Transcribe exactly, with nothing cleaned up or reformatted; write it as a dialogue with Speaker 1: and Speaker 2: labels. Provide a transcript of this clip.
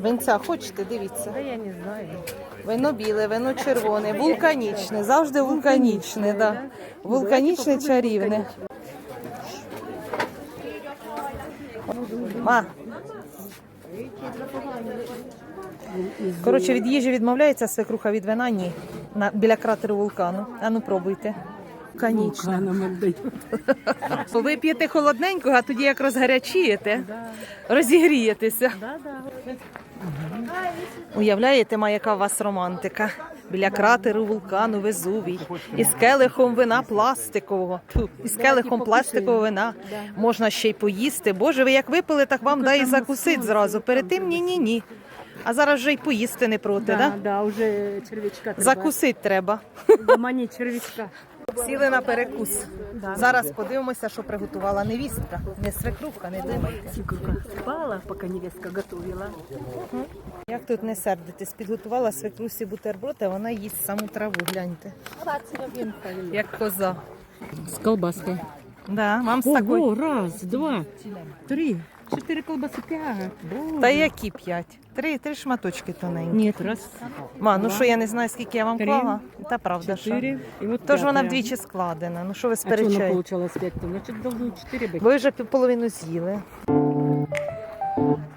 Speaker 1: Винця хочете, дивіться.
Speaker 2: Да я не знаю.
Speaker 1: Вино біле, вино червоне, вулканічне, завжди вулканічне, да. Вулканічне, чарівне. Ма. Коротше, від їжі відмовляється свекруха, від вина ні. На, біля кратеру вулкану. А ну пробуйте. Вулканічне. Вип'єте холодненького, а тоді як розгарячієте, розігрієтеся. Уявляєте, ма, яка у вас романтика? Біля кратеру вулкану Везувій. Із келихом вина пластикового. Фу, із келихом пластикового вина. Можна ще й поїсти. Боже, ви як випили, так вам дай і закусить зразу. Перед тим ні-ні-ні. А зараз вже й поїсти не проти,
Speaker 2: Да,
Speaker 1: да?
Speaker 2: да, уже червячка треба.
Speaker 1: Закусить треба.
Speaker 2: Мані червячка.
Speaker 1: Сіли на перекус. Зараз подивимося, що приготувала невістка. Не свекруха, не думайте.
Speaker 2: Свекруха спала, поки невестка готувала.
Speaker 1: Як тут не сердитись, підготувала свекрусі бутерброд, а вона їсть саму траву, гляньте. Як коза.
Speaker 2: З колбаской.
Speaker 1: Да, вам з такою.
Speaker 2: Ого, раз, два, три, чотири колбаси, п'ять.
Speaker 1: Та які п'ять? Три, три шматочки тоненькі.
Speaker 2: Ні, раз,
Speaker 1: Ма, ну що, я не знаю, скільки я вам
Speaker 2: Три,
Speaker 1: клала. Та правда, що.
Speaker 2: чотири. І от
Speaker 1: Тож вона
Speaker 2: п'ятая.
Speaker 1: вдвічі складена. Ну що ви
Speaker 2: А чого вона
Speaker 1: сперечаєте?
Speaker 2: получалась п'ять? Значить, должно чотири бути.
Speaker 1: Ви вже половину з'їли.